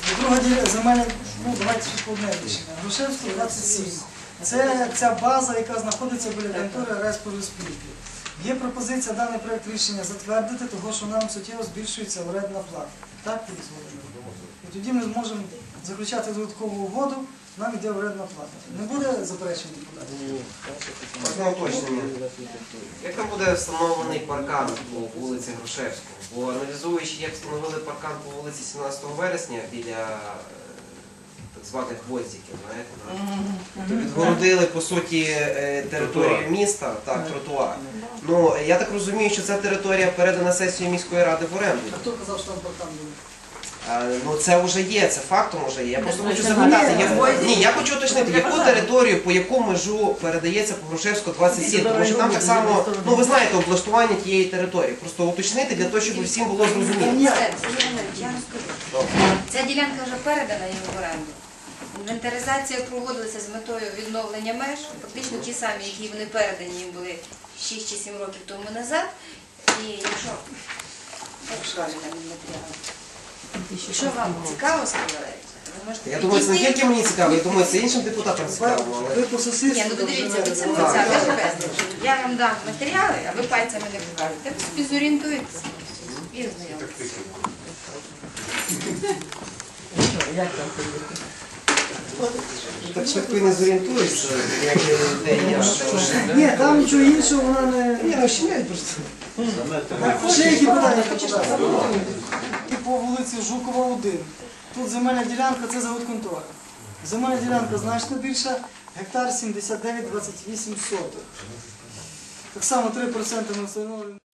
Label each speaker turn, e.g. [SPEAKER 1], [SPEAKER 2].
[SPEAKER 1] Друга земельна, давайте ще по одне рішення. Грушевського 27. Це ця база, яка знаходиться біля контори Республіки. Є пропозиція даний проєкт рішення затвердити, тому що нам суттєво збільшується орендна плата. Так, Борис Володимирович? І тоді ми зможемо заключати додаткову угоду, нам йде орендна плата. Не буде заперечень депутатів?
[SPEAKER 2] Можна уточнення. Як там буде встановлений паркан по вулиці Грушевського? Бо аналізуючи, як встановили паркан по вулиці 17 вересня біля так званих гвоздиків, знаєте, то відгородили, по суті, територію міста, так, тротуар. Ну, я так розумію, що ця територія передана сесією міської ради в оренду.
[SPEAKER 1] А хто казав, що там паркан буде?
[SPEAKER 2] Ну це вже є, це фактом вже є. Я просто хочу запитати, я хочу уточнити, яку територію, по яку межу передається по Грушевську 27, тому що там так само, ну ви знаєте, облаштування тієї території. Просто уточнити для того, щоб всім було зрозуміло.
[SPEAKER 3] Я розкажу. Ця ділянка вже передана їм в оренду. Інвентаризація проводилася з метою відновлення меж, фактично ті самі, які вони передані їм були 6 чи 7 років тому назад. І якщо Якщо вам цікаво сказати, ви можете
[SPEAKER 2] Я думаю, це не тільки мені цікаво, я думаю, це іншим депутатам цікаво.
[SPEAKER 1] Ви по сусідству.
[SPEAKER 3] Ні, ну дивіться, ви це безпечно. Я вам дам матеріали, а ви пальцями не покажете. Ви собі зорієнтуєтеся і ознайомитеся.
[SPEAKER 2] Так швидко і не зорієнтуєшся, як де я.
[SPEAKER 1] Ні, там нічого іншого вона не...
[SPEAKER 2] Ні, ну щемять просто.
[SPEAKER 1] Ще які питання? І по вулиці Жукова 1. Тут земельна ділянка, це завод контора. Земельна ділянка значно більша, гектар 79,28 соток. Так само 3% ми встановлюємо.